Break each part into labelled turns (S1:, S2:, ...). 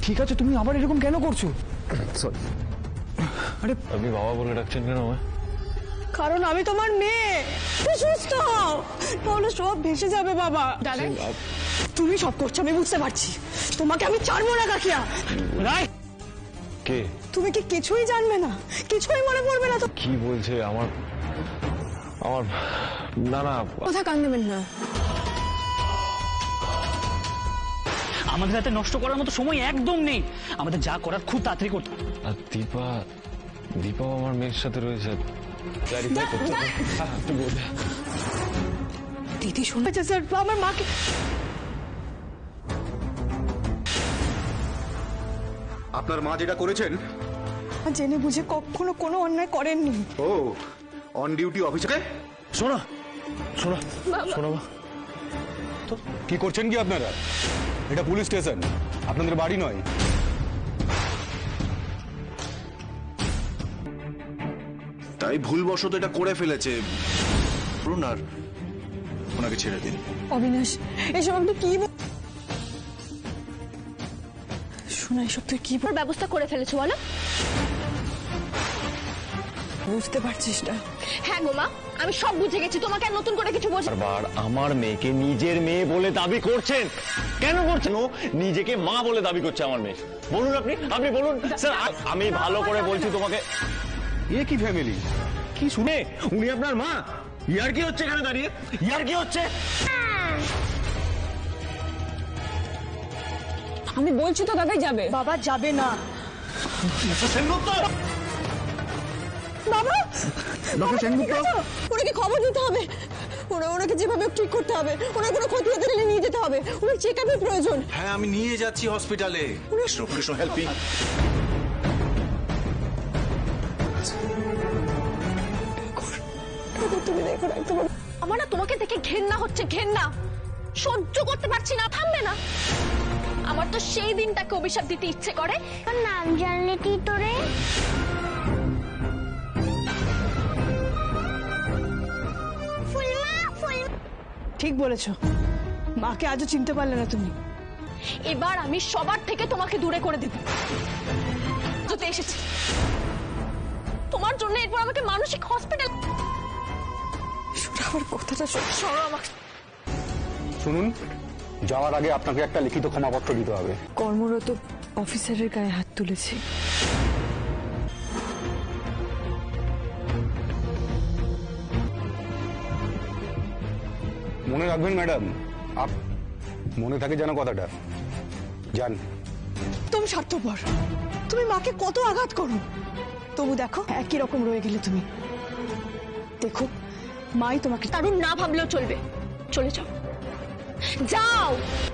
S1: ঠিক আছে, তুমি আবার এরকম কেন করছো?
S2: সরি।
S1: আরে
S2: আপনি বাবা বলে ডাকছেন কেন আমায়?
S3: কারণ আমি তোমার মেয়ে। সুস্থ হও, তাহলে সব ভেসে যাবে বাবা। দাদা তুমি সব করছো আমি বুঝতে পারছি, তোমাকে আমি ছাড়বো না কাকিয়া।
S1: রাই,
S2: কে?
S3: তুমি কি কিছুই জানবে না, কিছুই মনে পড়বে না তো?
S2: কি বলছে? আমার আমার না না,
S3: কথা কান দেবেন না।
S1: আমাদের হাতে নষ্ট করার মতো সময় একদম নেই, আমাদের যা করার খুব তাড়াতাড়ি করতে।
S2: আর দীপাও আমার মেয়ের সাথে রয়েছে। ক্লারিফাই করতে হবে। আপনি বলুন।
S3: দিদি শুনেছে স্যার, আমার মাকে।
S4: আপনার মা যেটা করেছেন
S3: জেনে বুঝে কখনো কোনো অন্যায় করেননি।
S4: ও অন ডিউটি অফিসে।
S2: শোনো শোনো শোনো মা,
S5: কি করছেন কি আপনারা? এটা পুলিশ স্টেশন, আপনাদের বাড়ি নয়।
S4: তাই ভুলবশত এটা করে ফেলেছে। বলুন আর ওনাকে ছেড়ে দিন।
S3: অবিনাশ, এসব আপনি কি শোনা, এসব তুই কি
S6: ব্যবস্থা করে ফেলেছো বলো?
S3: বুঝতে পারছিস না?
S6: হ্যাঁ গো মা, আমি সব বুঝে গেছি, তোমাকে আর নতুন করে কিছু বোঝা।
S2: বারবার আমার মেয়েকে নিজের মেয়ে বলে দাবি করছেন, কেন করছেন? ও নিজেকে মা বলে দাবি করছে আমার মেয়ে। বলুন আপনি বলুন স্যার। আমি ভালো করে বলছি তোমাকে।
S5: এ কি ফ্যামিলি?
S2: কি শুনে উনি আপনার মা? ইয়ার কি হচ্ছে এখানে দাঁড়িয়ে? ইয়ার কি হচ্ছে?
S3: আমি বলছি তো দাদাই যাবে। বাবা যাবে না। বাবা,
S5: ডক্টর সেনগুপ্ত,
S3: ওনাকে খবর দিতে হবে। ওনাকে যেভাবে ঠিক করতে হবে, ওনার কোনো ক্ষতি হতে গেলে নিয়ে যেতে হবে। ওনার চেক আপের প্রয়োজন।
S4: হ্যাঁ আমি নিয়ে যাচ্ছি হসপিটালে। কৃষ্ণ হেল্পিং।
S3: তুমি দেখো না একটু।
S6: আমার না তোমাকে দেখে ঘেন্না হচ্ছে, ঘেন্না সহ্য করতে পারছি না। থামবে না? আমার তো সেই দিনটাকে অভিশাপ দিতে ইচ্ছে করে।
S7: নাম জানলে কি তোরে?
S3: ঠিক বলেছো, মাকে আজও চিনতে পারলে না তুমি।
S6: এবার আমি সবার থেকে তোমাকে দূরে করে দেব। যেতে এসেছি তোমার জন্য, এরপর আমাকে মানসিক হসপিটাল।
S3: আমার কথাটা
S6: সরো আমাকে।
S5: শুনুন, যাওয়ার আগে আপনাকে একটা লিখিত ক্ষমাপত্র দিতে হবে।
S3: কর্মরত অফিসারের গায়ে হাত তুলেছি।
S5: মনে রাখবেন ম্যাডাম, মনে থাকে যেন কথাটা। যান।
S3: তুমি স্বার্থপর, তুমি মাকে কত আঘাত করো, তবু দেখো একই রকম রয়ে গেলে তুমি। দেখো মাই তোমাকে।
S6: তারুণ না ভাবলেও চলবে, চলে যাও, যাও।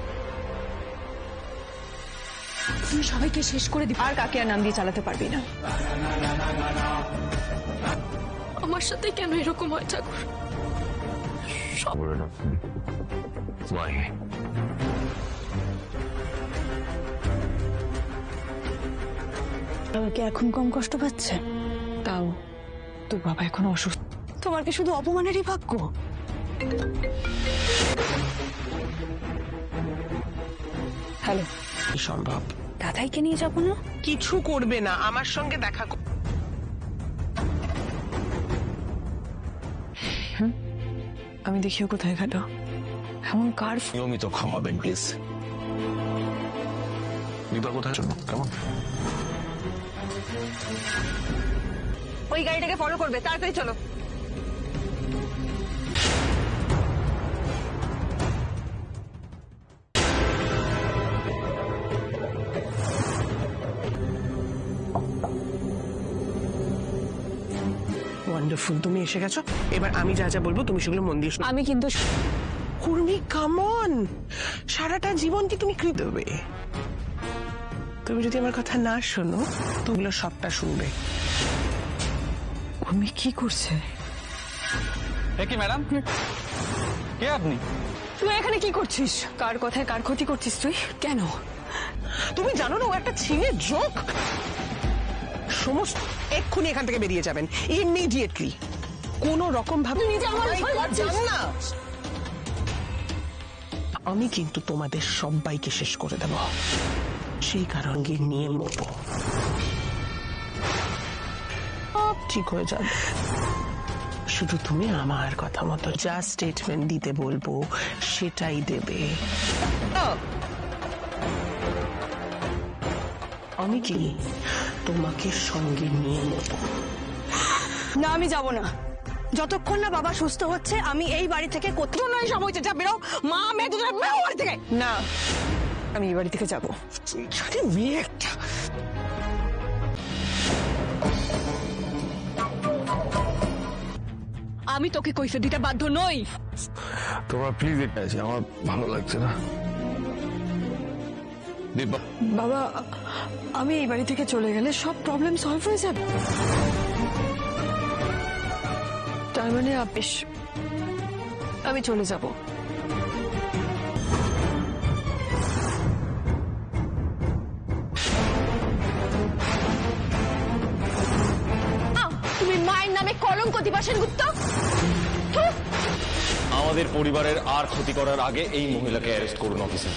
S3: তুমি সবাইকে শেষ করে দিবে, আর কাকে আর নাম দিয়ে চালাতে পারবি না।
S6: আমার সাথে কেন এরকম হয় ঠাকুর?
S3: বাবাকে এখন কম কষ্ট পাচ্ছে? তাও তোর বাবা এখন অসুস্থ। তোমার কি শুধু অপমানেরই ভাগ্য? হ্যালো,
S8: সম্ভব
S3: দাদাইকে নিয়ে যাবো না?
S8: কিছু করবে না, আমার সঙ্গে দেখা
S3: আমি দেখিও কোথায় গেল, এমন কার?
S2: নিয়মিত খাওয়াবেন প্লিজ। দীপা কোথায় জন্য কেমন?
S3: ওই গাড়িটাকে ফলো করবে, তাড়াতাড়ি চলো।
S8: ওয়ান্ডারফুল, তুমি এসে গেছো। এবার আমি যা যা বলবো তুমি সেগুলো মন দিয়ে শোনো।
S3: আমি কিন্তু
S8: উর্মি কাম অন, সারাটা জীবন কি তুমি কৃত দেবে? তুমি যদি আমার কথা না শোনো, তোগুলো সবটা শুনবে।
S3: উর্মি কি করছে?
S1: কি ম্যাডাম, কে আপনি?
S3: তুই এখানে কি করছিস? কার কথায় কার ক্ষতি করছিস তুই? কেন?
S8: তুমি জানো না ও একটা ছেলে জোক? সমস্ত এক্ষুনি এখান থেকে বেরিয়ে যাবেন, ইমিডিয়েটলি। কোন রকম ভাবে
S3: নিজে আমার ভয় পাচ্ছিস
S8: না। আমি কিন্তু তোমাদের সবাইকে শেষ করে দেব, সেই কারণকে নিয়ে মরবো। সব ঠিক হয়ে যাবে, শুধু তুমি আমার কথা মতো যা স্টেটমেন্ট দিতে বলবো সেটাই দেবে। আমি কি তোমাকে সঙ্গে নিয়ে নেব?
S3: না, আমি যাব না। যতক্ষণ না বাবা সুস্থ হচ্ছে আমি এই বাড়ি থেকে কোথাও নয় সময় যা বেরো। মা মেয়ে দুজনে বেরো বাড়ি থেকে।
S8: না,
S3: আমি এই বাড়ি থেকে যাবো।
S8: মেয়ে একটা
S6: আমি তোকে কৈফিয়ত দিতে বাধ্য নই।
S5: তোমার প্লিজ এটা আছে, আমার ভালো লাগছে না। দীপা,
S3: বাবা, আমি এই বাড়ি থেকে চলে গেলে সব প্রবলেম সলভ হয়ে যাবে। তার মানে বেশ, আমি চলে যাব।
S6: তুমি মায়ের নামে কলঙ্ক দিবা সেনগুপ্ত।
S2: আমাদের পরিবারের আর ক্ষতি করার আগে এই মহিলাকে অ্যারেস্ট করুন অফিসার।